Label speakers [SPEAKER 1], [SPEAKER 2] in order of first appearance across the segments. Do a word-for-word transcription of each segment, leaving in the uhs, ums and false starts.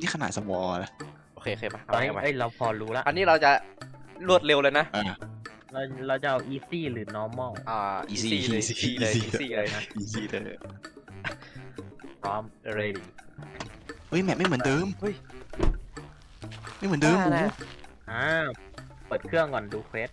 [SPEAKER 1] นี่ขนาดสมอลนะ
[SPEAKER 2] โอเคโอเคมา
[SPEAKER 3] เฮ้ยเอ้ยเราพอรู้ละ
[SPEAKER 2] อันนี้เราจะรวดเร็วเลยนะ
[SPEAKER 1] อ่า
[SPEAKER 3] เราเราจะเอา easy หรือ normal
[SPEAKER 2] อ่า
[SPEAKER 1] easy
[SPEAKER 2] easy เลย
[SPEAKER 1] easy
[SPEAKER 2] easy เลย
[SPEAKER 1] easy
[SPEAKER 2] easy เลยนะ
[SPEAKER 1] อีซี่เลย
[SPEAKER 3] พร้อม ready
[SPEAKER 1] เฮ้ยแมปไม่เหมือนเดิม
[SPEAKER 2] เฮ้ย
[SPEAKER 1] ไม่เหมือนเดิม
[SPEAKER 2] บ้า
[SPEAKER 1] หมู
[SPEAKER 2] นะ
[SPEAKER 3] อ่าเปิดเครื่องก่อนดูเควส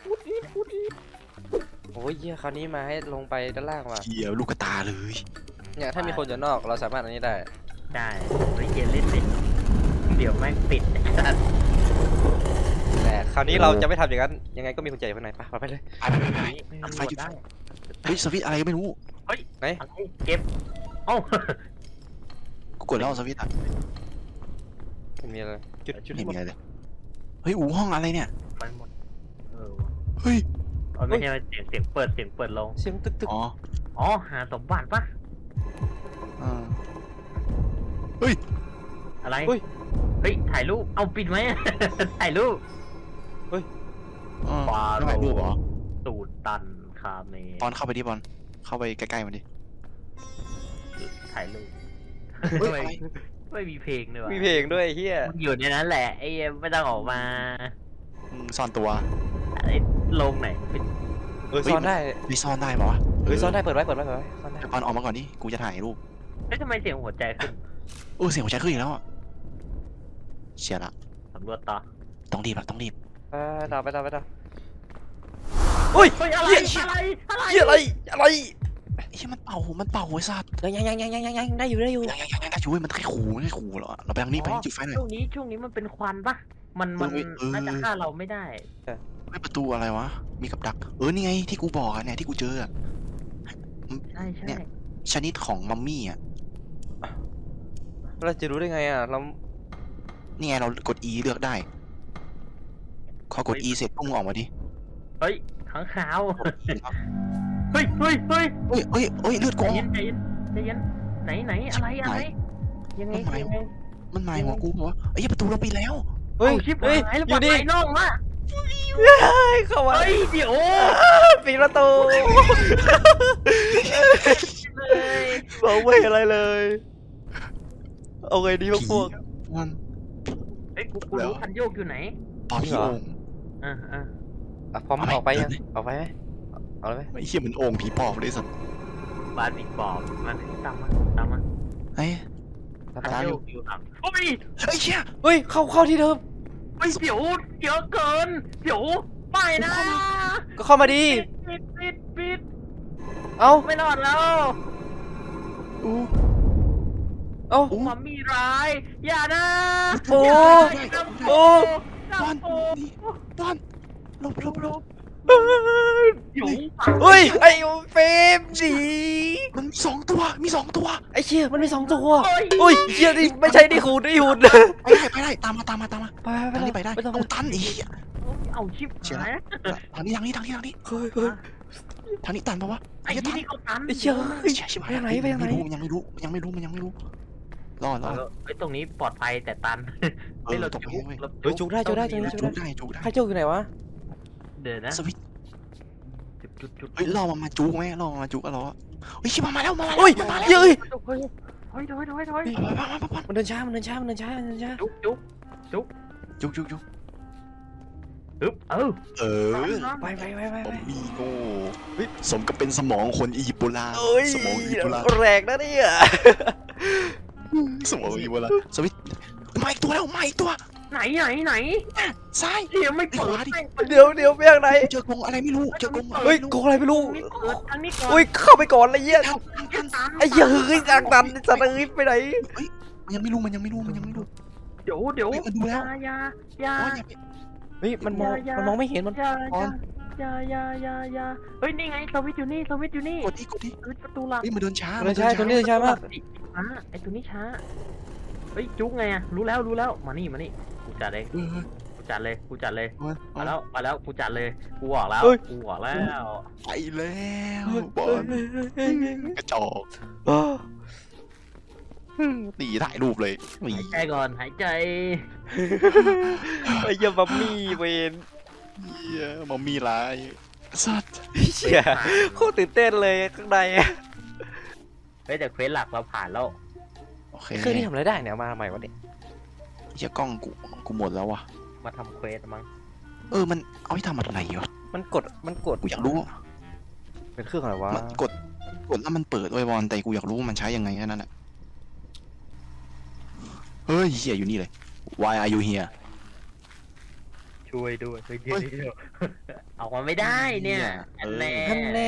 [SPEAKER 2] โอ้ยเหี้ยคราวนี้มาให้ลงไปด้านล่างว่ะ
[SPEAKER 1] เหี้ยลูกกระตาเลย
[SPEAKER 2] เนี่ยถ้ามีคนอยู่นอกเราสามารถอันนี้ได้
[SPEAKER 3] ได้เฮ้ยเย็นเล่นดิเดี๋ยวแม่งปิดไอ้สัส
[SPEAKER 2] แต่คราวนี้เราจะไม่ทำอย่างนั้นยังไงก็มีคนใจอยู่ข้างในไปไปเลย
[SPEAKER 1] ไปไปไปไป
[SPEAKER 3] ไม่
[SPEAKER 1] ตัดไฟ
[SPEAKER 3] มี
[SPEAKER 1] จุด
[SPEAKER 3] ได้
[SPEAKER 1] เฮ้ยสวิตช์อะไรก็ไม่รู้
[SPEAKER 2] ไหน
[SPEAKER 3] อะไรเก็บเอ้า
[SPEAKER 1] กูกดแล้วสวิตช์อ่ะ
[SPEAKER 2] ไม่มีอะไรจุดจุด
[SPEAKER 1] ไม่
[SPEAKER 2] หม
[SPEAKER 1] มี
[SPEAKER 2] ด
[SPEAKER 1] อะไรเลยเฮ้ยอูห้องอะไรเนี่ย
[SPEAKER 3] ไปหมดเออ
[SPEAKER 1] เฮ้ย
[SPEAKER 3] เอาไม่ใช่เสียงเสียงเปิดเสียงเปิดลง
[SPEAKER 2] เสียงตึกตึก
[SPEAKER 1] อ๋อ
[SPEAKER 3] อ๋อหาสมบัติปะ
[SPEAKER 1] อ่าเฮ้ย
[SPEAKER 3] อะไร
[SPEAKER 2] เฮ้ย
[SPEAKER 3] เฮ้ยถ่ายรูปเอาปิดไหม ถ่ายรูป
[SPEAKER 1] อ่า
[SPEAKER 3] ปลา
[SPEAKER 1] ไม่ถ่ายรูปเหรอ
[SPEAKER 3] สูตรตันคาเม
[SPEAKER 1] บอลเข้าไปดิบอลเข้าไปใกล้ๆมันดิ
[SPEAKER 3] ถ่ายรูป
[SPEAKER 1] เฮ้ยอะไร
[SPEAKER 3] ไม่มีเพลงด้วยวะ
[SPEAKER 2] มีเพลงด้วยเฮีย
[SPEAKER 3] มันอยู่ในนั้นแหละไอ้ไม่ต้องออกมา
[SPEAKER 1] อืมซ่อนตัว
[SPEAKER 3] ไอ้ลงไหนปิด
[SPEAKER 2] เออซ่อนได้
[SPEAKER 1] ไม่ซ่อนได้ปะวะ
[SPEAKER 2] เออซ่อนได้เปิดไว้เปิดไว้เปิดไว้ซ่อนได้
[SPEAKER 1] เดี๋ยวบอลออกมาก่อนดิกูจะถ่ายรูป
[SPEAKER 3] เอ้ยทำไมเสียงหัวใจขึ้น
[SPEAKER 1] โอ้เสียงหัวใจขึ้นอีกแล้วอ่ะเชียร์ละ
[SPEAKER 3] สำรวจต่อ
[SPEAKER 1] ต้องรีบละต้องรีบ
[SPEAKER 2] ไปต่อไปต่อไปต่ออุ้ย
[SPEAKER 3] เฮ้ยอะไร
[SPEAKER 2] เหี้ย
[SPEAKER 3] อะไรอะไร
[SPEAKER 2] เฮียอะไรอะไร
[SPEAKER 1] ไอ้เหี้ยมันเป่ามันเป่าไอ้สัตว์
[SPEAKER 2] ยังยังยังยังยังยังได้อยู่ได้อยู่
[SPEAKER 1] ยังยังยังยังได้ช่วยมันแค่ขู่มันแค่ขู่เหรอเราไปทางนี้ไปจุดไฟหน่อย
[SPEAKER 3] ช่วงนี้ช่วงนี้มันเป็นควันปะมันมัน
[SPEAKER 1] เออเออ
[SPEAKER 3] น่าจะฆ่าเราไม่ได้
[SPEAKER 1] ไม่ประตูอะไรวะมีกับดักเออนี่ไงที่กูบอกอะเนี่ยที่กูเจออะ
[SPEAKER 3] ใช่ใช่
[SPEAKER 1] เนี่ย ชนิดของมัมมี่อ่ะ
[SPEAKER 2] เราจะรู้ได้ไงอ่ะเรา
[SPEAKER 1] นี่ไงเรากด E เลือกได้พอกด E เสร็จพุ่งออกมาดิ
[SPEAKER 3] เฮ้ยขังขาว
[SPEAKER 1] กด E แล้ว
[SPEAKER 3] เฮ้ยเฮ้ยเฮ้ย
[SPEAKER 1] เฮ้ยเฮ้ยเฮ้ยเลือด
[SPEAKER 3] ใจ
[SPEAKER 1] กูออ
[SPEAKER 3] เย็
[SPEAKER 1] ก
[SPEAKER 3] นใจเย็นใจเย็นไหนไหนอะไรอะไรยังไง
[SPEAKER 1] มันหมาย
[SPEAKER 3] ยังไง
[SPEAKER 1] มันหมายหัวกูบอกว่าไอ้เหี้ยประตูเราปิดแล้ว
[SPEAKER 2] เฮ้ย
[SPEAKER 3] เอาชิบ
[SPEAKER 2] เฮ้ย
[SPEAKER 3] หายแล้ว
[SPEAKER 2] อยู่นี่
[SPEAKER 3] ปลดไหลน่องมา
[SPEAKER 2] เข้ามา
[SPEAKER 3] เฮ้ยเดี๋ยว
[SPEAKER 2] ปิดประตู
[SPEAKER 3] เลย
[SPEAKER 2] บอกไม่อะไรเลยเอาไงดีพวกพวก
[SPEAKER 1] มัน
[SPEAKER 3] เฮ้ยกูกูรู้คันโยกอยู่ไหน
[SPEAKER 1] ปอบ
[SPEAKER 2] จริง
[SPEAKER 1] ที่
[SPEAKER 2] เหรอ
[SPEAKER 1] โอ่ง
[SPEAKER 3] อ่าอ่า
[SPEAKER 2] อ่ะพร้อม
[SPEAKER 1] เอาไหม
[SPEAKER 2] ออกไปยัง
[SPEAKER 1] เดินดิ
[SPEAKER 2] ออกไปไหมเอาเลยไหม
[SPEAKER 1] ไอ้เหี้ยเหมือนโอ่งผีปอบเลยสัตว์
[SPEAKER 3] บานอีกบอบมันตามมาตามมา
[SPEAKER 1] ไอ้
[SPEAKER 2] ตาม
[SPEAKER 3] คัน
[SPEAKER 2] ไป
[SPEAKER 3] โยกอยู่หลังโอ้ย
[SPEAKER 1] ไอ้เหี้ย
[SPEAKER 2] เฮ้ยเข้าเข้าที่เดิม
[SPEAKER 3] เฮ้ยเดี๋ยวเยอะเกินเดี๋ยวไปนะ
[SPEAKER 2] ก็เข้ามาดี
[SPEAKER 3] ปิดปิดปิด
[SPEAKER 2] เอ้า
[SPEAKER 3] ไม่รอดแล้ว
[SPEAKER 1] อู้
[SPEAKER 2] เอ้า
[SPEAKER 1] อู้
[SPEAKER 3] มัมมี่ร้ายอย่านะ
[SPEAKER 2] โอ้
[SPEAKER 3] อย่านะ
[SPEAKER 2] โอ้
[SPEAKER 1] บอล
[SPEAKER 3] โอ้
[SPEAKER 1] นี่บอลหลบหลบหลบ
[SPEAKER 3] เดี๋ยว
[SPEAKER 2] เฮ้ยไอ้เฟรมดี
[SPEAKER 1] มันมีสองตัวมีสองตัว
[SPEAKER 2] ไอ้เชี่ยมันมีสองตัว
[SPEAKER 3] เฮ้ย
[SPEAKER 2] เฮ้ยเชี่ยนี่ไม่ใช่นี่หูนี่หูน
[SPEAKER 1] ไปได้ไปได้ตามมาตามมาตามมา
[SPEAKER 2] ไป
[SPEAKER 1] ทางนี้ไปได้
[SPEAKER 2] ไม่ต้อง
[SPEAKER 1] เอาตันอีก
[SPEAKER 3] เอาชิบ
[SPEAKER 1] เชียร์
[SPEAKER 3] หาย
[SPEAKER 1] ทางนี้ทางนี้ทางนี้ทางนี้
[SPEAKER 2] เฮ้ยเฮ้ย
[SPEAKER 1] ทางนี้ตันปะวะ
[SPEAKER 3] ไอ้
[SPEAKER 1] ไอ้เหี้ย
[SPEAKER 3] ที่
[SPEAKER 1] ตัน
[SPEAKER 3] นี่เขาตัน
[SPEAKER 2] ไอ้เชี่ย
[SPEAKER 1] เฮ้ยชิบหาย
[SPEAKER 2] ไปทางไหนไปทางไหน
[SPEAKER 1] ม่รู้มันยังไม่รู้มันยังไม่รู้มันยังไม่รู้รอดรอด
[SPEAKER 3] ไอ้ตรงนี้ปลอดภัยแต่ตัน
[SPEAKER 1] เอ
[SPEAKER 3] เฮ้ย
[SPEAKER 1] อ
[SPEAKER 3] เรา
[SPEAKER 1] ตกไป
[SPEAKER 3] จุก
[SPEAKER 1] เว้ย
[SPEAKER 3] เรา
[SPEAKER 2] เฮ้ยจุกได้จุกได้จุกได้
[SPEAKER 1] จุกได้จุกได้
[SPEAKER 2] ใครเจ้าอยู่ไหนวะ
[SPEAKER 3] เดี๋ยวนะ
[SPEAKER 1] สวิตช์
[SPEAKER 3] จุดจุดจุด
[SPEAKER 1] เฮ้ยรอมันมาจุกไหมรอมันมาจุกก็รอเฮ้ยชิบมาแล้วมาแล้ว
[SPEAKER 2] เฮ้ย
[SPEAKER 1] มาแล้ว
[SPEAKER 2] เฮ้ย
[SPEAKER 3] เฮ้ยเฮ้ยถอยถอยถอย
[SPEAKER 1] มามามามา
[SPEAKER 2] มันเดินช้ามันเดินช้ามันเดินช้ามันเดินช้า
[SPEAKER 3] จุกจุก
[SPEAKER 1] จุกจุกจุก
[SPEAKER 3] อึ๊บเออ
[SPEAKER 1] เออ
[SPEAKER 2] ไปไปไปไป
[SPEAKER 1] บ
[SPEAKER 2] ไป
[SPEAKER 1] อมบี้โง่สมกับเป็นสมองคนอียิปต์โบราณ
[SPEAKER 2] เอ้ย
[SPEAKER 1] สมองอียิปต์โบราณ
[SPEAKER 2] แรงนะเนี่ย
[SPEAKER 1] สมองอียิปต์โบราณสวิตช์มาอีกตัวแล้วมาอีกตัว
[SPEAKER 3] ไหนไหนไหน
[SPEAKER 1] ซ้าย
[SPEAKER 3] เดี๋ยวไม่เปิด
[SPEAKER 2] เดี๋ยวเดี๋ยวไปทางไหน
[SPEAKER 1] เจอกรงอะไรไม่รู้เจอกรง
[SPEAKER 2] เฮ้ยโกงอะไรไม่รู้
[SPEAKER 3] นี่เปิดทางนี้ก่อน
[SPEAKER 2] เฮ้ยเข้าไปก่อนเลยเหี้ย
[SPEAKER 3] ตัน
[SPEAKER 2] ไอ้เหี้ยเฮ้ยจากนั้นสัตว์เอ้ยไปไหน
[SPEAKER 1] มันยังไม่รู้มันยังไม่รู้มันยังไม่รู้
[SPEAKER 3] เดี๋ยวเดี๋ยว
[SPEAKER 1] เฮ้ยมันดูแล้ว
[SPEAKER 3] ยาอยา
[SPEAKER 1] อ๋ออย่าไป
[SPEAKER 2] เฮ้ยมันมองมันมองไม่เห็นมัน
[SPEAKER 3] ยา
[SPEAKER 1] ก่อน
[SPEAKER 3] ยายายายาเฮ้ยนี่ไงสวิตอยู่นี่สวิตอยู่นี่
[SPEAKER 1] กดที่กดที่
[SPEAKER 3] สวิตประตูหลัก
[SPEAKER 1] เฮ้ยมันเดินช้า
[SPEAKER 2] เดินช้าตัวนี้เดินช้ามาก
[SPEAKER 3] ช้าไอ้ตัวนี้ช้าเฮ้ยจุกไงอะรู้แล้วรู้แล้วมานี่มานี่กูจัดเลย
[SPEAKER 1] เออ
[SPEAKER 3] กูจัดเลยกูจัดเลย
[SPEAKER 1] เออ
[SPEAKER 3] มาแล้วมาแล้วกูจัดเลยกูออกแล้ว
[SPEAKER 2] เฮ้ย
[SPEAKER 3] กูออกแล้ว
[SPEAKER 1] ไปแล้วบอลกระจอก
[SPEAKER 2] เฮ้ย
[SPEAKER 1] ตีถ่ายรูปเลยหนี
[SPEAKER 3] หายใจก่อนหายใจ
[SPEAKER 2] ไอ้เหี้ยบัมมี่เวน
[SPEAKER 1] เหี้ยมัมมี่ร้ายสัตว์
[SPEAKER 2] เชี่ยโคตรตื่นเต้นเลยข้างใน
[SPEAKER 3] เฮ้ยแต่เควสหลักเราผ่านแล้ว
[SPEAKER 1] โอเค
[SPEAKER 2] เครื่องนี้ทำอะไรได้เนี่ยมาใหม่วะเนี่ย
[SPEAKER 1] เชี่ยกล้องกูกูหมดแล้ววะ
[SPEAKER 3] มาทำเควสมั้ง
[SPEAKER 1] เออมันเอาไปทำอะไรวะ
[SPEAKER 2] มันกดมันกด
[SPEAKER 1] กูอยากรู้
[SPEAKER 2] เป็นเครื่องอะไรวะ
[SPEAKER 1] มันกดกดแล้วมันเปิดไว้บอลแต่กูอยากรู้ว่ามันใช้ยังไงแค่นั้นแหละเฮ้ยเหี้ยอยู่นี่เลย Why are you here
[SPEAKER 3] ช่วยด้วยช่วยด้วยออกมาไม่ได้เนี่ยอันแน่
[SPEAKER 2] ท่านแน่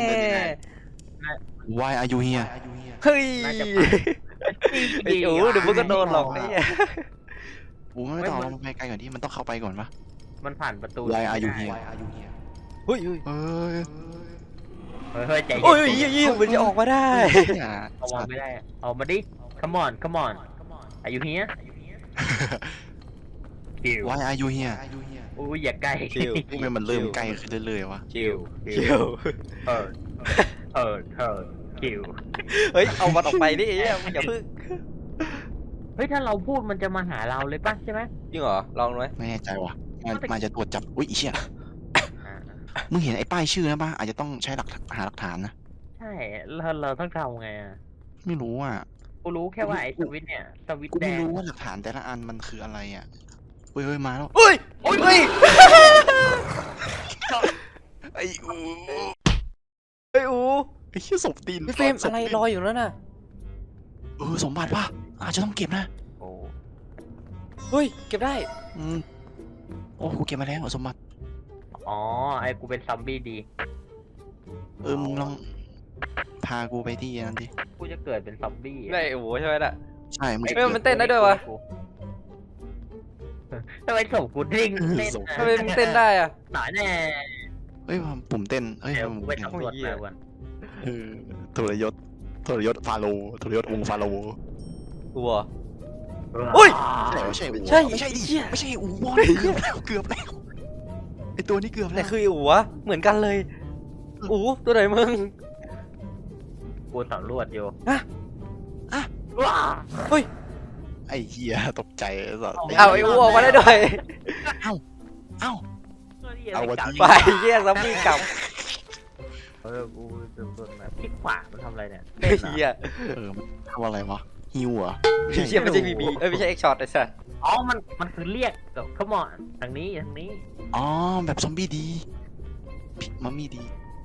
[SPEAKER 1] Why are you here
[SPEAKER 2] เฮ้ย
[SPEAKER 3] น่าจะ
[SPEAKER 2] ไอ้โอ้เดี๋ยวมึงก็โดนหลอกไอ้เนี่ย
[SPEAKER 1] กูไม่ต้องเอามันไปไกลก่อนที่มันต้องเข้าไปก่อนปะ
[SPEAKER 3] มันผ่านประตู
[SPEAKER 1] Why are you here
[SPEAKER 2] เฮ้ยเฮ้ย
[SPEAKER 1] เอ้ย
[SPEAKER 3] เฮ้ยเฮ้ยใจ
[SPEAKER 2] โอ้ย
[SPEAKER 3] เย็น
[SPEAKER 2] ยี่ยี่มันจะออกมาได้
[SPEAKER 1] อย่า
[SPEAKER 3] เอามาไม่ได้เอามาดิ come on come on อายุเฮียคิว
[SPEAKER 1] Why are you here
[SPEAKER 3] อุ้ยอย่าใกล้
[SPEAKER 2] ชิว
[SPEAKER 1] ทำไมมันเริ่มใกล้ขึ้นเรื่อยๆวะ
[SPEAKER 3] คิว
[SPEAKER 2] คิว
[SPEAKER 3] เออเออเออคิว
[SPEAKER 2] เฮ้ยเอามันออกไปดิไอ้เนี่ยมึงอย่าพึ่ง
[SPEAKER 3] เฮ้ยถ้าเราพูดมันจะมาหาเราเลยป่ะใช่ไหม
[SPEAKER 2] จริงเหรอลองดูไหม
[SPEAKER 1] ไม่แน่ใจว่ะมันมันจะตรวจจับอุ้ยอีเชี่ย
[SPEAKER 3] อ่า
[SPEAKER 1] มึงเห็นไอ้ป้ายชื่อนะป่ะอาจจะต้องใช้หลักหาหลักฐานนะ
[SPEAKER 3] ใช่เราเราต้องทำไงอ่ะ
[SPEAKER 1] ไม่รู้อ่ะ
[SPEAKER 3] กูรู้แค่ว่าไอ้สวิตช์เนี่ยสวิตช์
[SPEAKER 1] กู
[SPEAKER 3] แด
[SPEAKER 1] ไม่
[SPEAKER 3] ง
[SPEAKER 1] รู้ว่าหลักฐานแต่ละอันมันคืออะไรอ่ะเฮ้ยเฮ้ยมาแล้ว
[SPEAKER 2] เฮ้ยเฮ้ย
[SPEAKER 1] ไอ้อู
[SPEAKER 2] เฮ้ยอู
[SPEAKER 1] ไอ้เชี่ยศพตีน
[SPEAKER 2] พี่เฟรมอะไรลอยอยู่นั่นน่ะ
[SPEAKER 1] เออสมบัติป่ะอาจจะต้องเก็บนะ
[SPEAKER 3] โอ้
[SPEAKER 2] เฮ้ยเก็บได้
[SPEAKER 1] อืมโอ้กูเก็บมาแล้วสมบัติ
[SPEAKER 3] อ๋อไอ้กูเป็นซอมบี้ดี
[SPEAKER 1] เออมึงลองพากูไปที่นั้นดิ
[SPEAKER 3] กูจะเกิดเป็นซอมบี้
[SPEAKER 2] ได้อูใช่ไหมน่ะ
[SPEAKER 1] ใช่มึงจะ
[SPEAKER 2] เฮ้ยมันเต้นได้ด้วยวะ
[SPEAKER 3] ทำไมส่งกูดิ้งเต้น
[SPEAKER 2] ทำไมมึงเต้นได้อะ
[SPEAKER 3] หน่อยแน่
[SPEAKER 1] เฮ้ยปุ่มเต้นเฮ้ย
[SPEAKER 3] เดี๋ยว
[SPEAKER 1] ปุ่
[SPEAKER 3] กู
[SPEAKER 1] ม
[SPEAKER 3] ไป
[SPEAKER 1] เต้น
[SPEAKER 3] ตำรวจมาก่อน
[SPEAKER 1] เออทรยศทรยศฟาโรห์ทรยศองค์ฟาโรห์
[SPEAKER 2] อูเหรอ อุ้ย
[SPEAKER 1] ใช่ไม่ใช่อู
[SPEAKER 2] ใช่
[SPEAKER 1] ไม่ใช่ดิ
[SPEAKER 2] เหี้ย
[SPEAKER 1] ไม่ใช่อูบอลเกือบแล้วเกือบแล้วไอตัวนี้เกือบ
[SPEAKER 2] แต่
[SPEAKER 1] แล้ว
[SPEAKER 2] คืออูวะเหมือนกันเลยอูตัวไหนมึง
[SPEAKER 3] กูสำรวจอยู่
[SPEAKER 2] อะอะ
[SPEAKER 3] ว้า
[SPEAKER 2] เฮ้ย
[SPEAKER 1] ไอ้เหี้ยตกใจไอ้สัส
[SPEAKER 2] เอาไอ้อูออกมาได้ด้วย
[SPEAKER 1] เอ้า เอาวะ
[SPEAKER 2] ไปเยี่ยซอมบี้กลับ
[SPEAKER 3] เออกูสำรวจมาคลิกขวามันทำอะไรเนี่ย
[SPEAKER 2] ไอ้เหี้ย
[SPEAKER 1] เออมันทำอะไรวะฮิวเหรอ
[SPEAKER 2] เหี้ยไม่ใช่บีบีเอ้ยไม่ใช่เอ็กช็อตไอ้สัส
[SPEAKER 3] อ๋อมันมันคือเรียกกับขมอนทางนี้ทางนี้
[SPEAKER 1] อ๋อแบบซอมบี้ดีมัมมี่ดี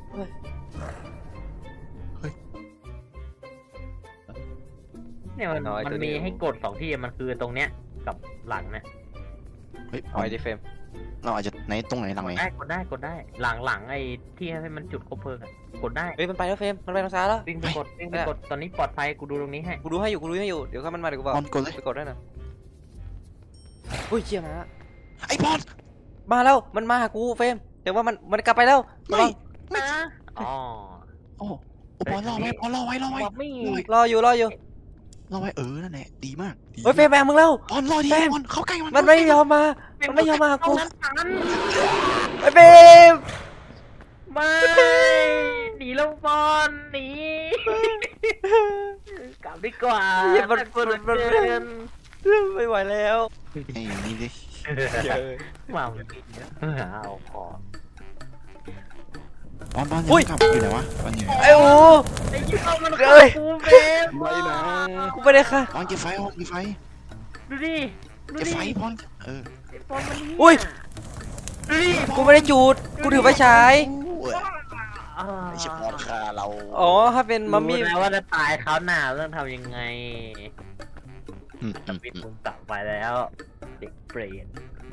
[SPEAKER 3] เนี่ยมันมันมีให้กดสองที่มันคือตรงเนี้ยกับหลังเนี่ย
[SPEAKER 1] เฮ้ย
[SPEAKER 2] เอาไอ้ดิเฟรม
[SPEAKER 1] เราอาจจะไหนตรงไหนหลังไหน
[SPEAKER 3] ได้กดได้กดได้หลังหลังไอ้ที่ให้มันจุดคบเพลิงอะกดได้
[SPEAKER 2] เฮ้ยมันไปแล้วเฟรมมันไปทางซ้ายแล้ว
[SPEAKER 3] วิ่งไปกดวิ่งไปกดตอนนี้ปลอดภัยกูดูตรงนี้ให้
[SPEAKER 2] กูดูให้อยู่กูดูให้อยู่เดี๋ยวถ้ามันมาเดี๋ยวกูบอก
[SPEAKER 1] บอลกดเลย
[SPEAKER 2] ไปกดได้นะอุ้ยเชี่ยมา
[SPEAKER 1] ไอ้บอล
[SPEAKER 2] มาแล้วมันมาหากูเฟรมแต่ว่ามันมันกลับไปแล้ว
[SPEAKER 1] ไม่
[SPEAKER 3] นะอ๋อ
[SPEAKER 1] โอ้โอ้บอลรอไว้บอลรอไว้รอไว้
[SPEAKER 3] บอกไม่
[SPEAKER 2] รออยู่รออยู่
[SPEAKER 1] รอไว้เออนั่นแหละดีมากดี
[SPEAKER 2] เฮ้ยเฟรมแบงมึงแล้ว
[SPEAKER 1] บอลรอดี
[SPEAKER 2] แฟน
[SPEAKER 1] บอลเข้าใกล้มัน
[SPEAKER 2] มันไม่ยอมมา มันไม่ยอมมาหากู
[SPEAKER 3] นั้นทัน
[SPEAKER 2] ไอ้เฟรม
[SPEAKER 3] ไม่หนีแล้วบอลหนีกลับดีกว่า
[SPEAKER 2] เหี้ยมันมันมัน
[SPEAKER 3] เกิน
[SPEAKER 2] ไม่ไหวแล้ว
[SPEAKER 1] ไอ้นี่ดิ
[SPEAKER 3] มามันกินเยอะเอาขอบ
[SPEAKER 1] อลบอล
[SPEAKER 2] อุ้ย
[SPEAKER 1] กลับอยู่ไหนวะบอลอยู่ไหน
[SPEAKER 2] ไอ้โอ้
[SPEAKER 3] ไอ้ยี่ห้อมัน
[SPEAKER 2] เอ้ย
[SPEAKER 3] กูเฟรม
[SPEAKER 1] ไม่นะ
[SPEAKER 2] กูไม่ได้ค่ะ
[SPEAKER 1] บอลเก็บไฟบอลเก็บไฟ
[SPEAKER 3] ดูดิดู
[SPEAKER 1] เก็บ
[SPEAKER 3] ดิ
[SPEAKER 1] ไฟบอลเออ
[SPEAKER 3] ไอ้บอลมันนี่
[SPEAKER 2] อุ้ย
[SPEAKER 3] ดูดิ
[SPEAKER 2] กูไม่ได้จูดกูถือไฟฉาย
[SPEAKER 3] อ่า
[SPEAKER 1] ไอ้เชี่ยบอลคาเรา
[SPEAKER 2] อ๋อถ้าเป็นมัมมี่
[SPEAKER 3] รู้แล้วว่าจะตายเขาวหน้าต้องทำยังไง
[SPEAKER 1] อืมอืม
[SPEAKER 3] ปิด
[SPEAKER 1] อืม
[SPEAKER 3] มุมกลับไปแล้ว เด็กเปรต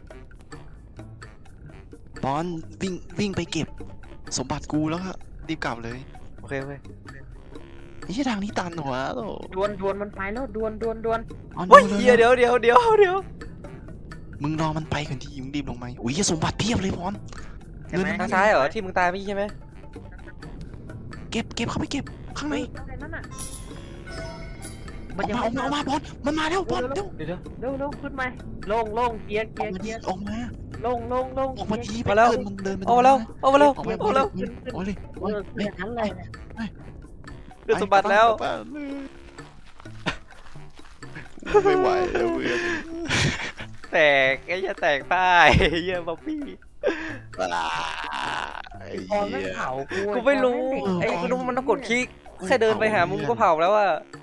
[SPEAKER 1] บอลวิ่งวิ่งไปเก็บ สมบัติกูแล้วก็รีบกลับเลย
[SPEAKER 2] โอเคโอเค
[SPEAKER 1] ไอ้เชี่ยทางนี้ตันหัวโต
[SPEAKER 3] ดวนดวนมันไปแล้วดวนดวนดวน
[SPEAKER 1] บอล
[SPEAKER 2] เฮ้ย
[SPEAKER 1] ร็ว
[SPEAKER 2] เดี๋ยว
[SPEAKER 1] ร็
[SPEAKER 2] เดี๋ยวเดี๋ยวเดี๋ยวเดี๋ยว
[SPEAKER 1] มึงรอมันไปก่อนทีมึงรีบลงมาอุ้ยสมบัติเพียบเลยบอล
[SPEAKER 3] ใช่ไหม
[SPEAKER 2] ทางซ้ายเหรอที่มึงตายไม่ใช่ไหม
[SPEAKER 1] เก็บเก็บเข้าไปเก็บข้างใน
[SPEAKER 3] อะไรนั่นน่ะ
[SPEAKER 1] ออกมาออกมาออกมาบอลมันมาแล้วบอลเร็ว
[SPEAKER 2] เดี๋ยวเดี๋ยว
[SPEAKER 3] เร็วเร็วขึ้นมาลงลงเกียร์
[SPEAKER 1] อ
[SPEAKER 3] เกี
[SPEAKER 1] อย ก
[SPEAKER 3] ร์
[SPEAKER 1] มา
[SPEAKER 3] เกี
[SPEAKER 1] ดี
[SPEAKER 3] ยร์
[SPEAKER 1] ออกมา
[SPEAKER 3] ลงลงลง
[SPEAKER 1] ออกมาดี
[SPEAKER 2] มาแล้ว
[SPEAKER 1] ไปเดินมันเดินมัน
[SPEAKER 2] เอามาแล้วเอามาแล้ว
[SPEAKER 1] ออกมา
[SPEAKER 2] เอามาแล้ว
[SPEAKER 1] ขึ้นโอ้ยเลย
[SPEAKER 3] เออเกียร์นั้นเลย
[SPEAKER 2] เดี๋ยวสมบัติแล้ว
[SPEAKER 1] ไม่ไหวแล้วเพื่อน
[SPEAKER 2] แตกไอ้เหี้ยแตกป้ายไอ้เหี้ยบ๊อบบี้
[SPEAKER 1] ไอ้
[SPEAKER 3] บอลไม่
[SPEAKER 1] เหี้ย
[SPEAKER 3] เผากู
[SPEAKER 2] กูไม่รู้
[SPEAKER 3] บอล
[SPEAKER 2] ไอ้
[SPEAKER 3] เด็ก
[SPEAKER 2] กูรู้มันต้องกดคลิกแค่เดินไปหามึงก็เผาแล้วอะ
[SPEAKER 1] เ